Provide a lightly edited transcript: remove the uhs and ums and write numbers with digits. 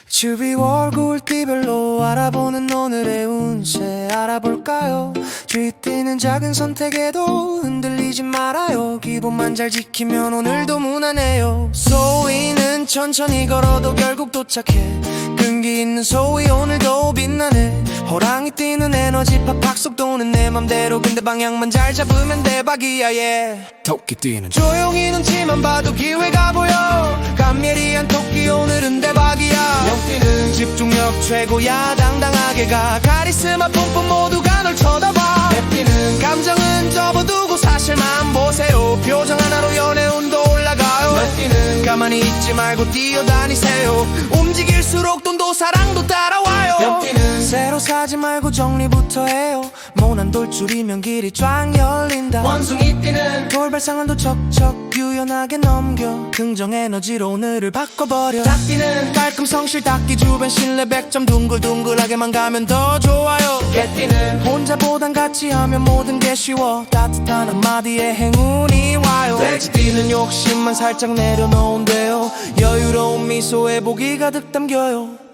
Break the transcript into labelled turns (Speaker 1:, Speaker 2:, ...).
Speaker 1: 주위 월굴 띠별로 알아보는 오늘의 운세 알아볼까요? 주위 뛰는 작은 선택에도 흔들리지 말아요. 기본만 잘 지키면 오늘도 무난해요. 소위는 천천히 걸어도 결국 도착해. 끈기 있는 소위 오늘도 빛나네. 호랑이 뛰는 에너지 팍팍 속 도는 내 맘대로. 근데 방향만 잘 잡으면 대박이야 yeah. 토끼 뛰는 조용히 눈치만 봐도 기회가 보여. 감미리한 토끼 오늘은 대박이야. 영뛰는 집중력 최고야. 당당하게 가. 카리스마 뿜뿜 모두가 널 쳐다봐. 내뛰는 감정은 접어두고 사실만 보세요. 표정 하나로 연애운도 올라가요. 내뛰는 가만히 있지 말고 뛰어다니세요. 움직일수록 돈도 사랑도 따라와요. 영뛰는 새로 사지 말고 정리부터 해요. 모난 돌줄이면 길이 쫙 열린다. 원숭이 뛰는 돌발상한도 척척 유연하게 넘겨. 긍정 에너지로 오늘을 바꿔버려. 닭 뛰는 깔끔 성실 닭기 주변 신뢰 100점. 둥글둥글하게만 가면 더 좋아요. 개 뛰는 혼자보단 같이 하면 모든 게 쉬워. 따뜻한 한마디에 행운이 와요. 돼지 뛰는 욕심만 살짝 내려놓은대요. 여유로운 미소에 복이 가득 담겨요.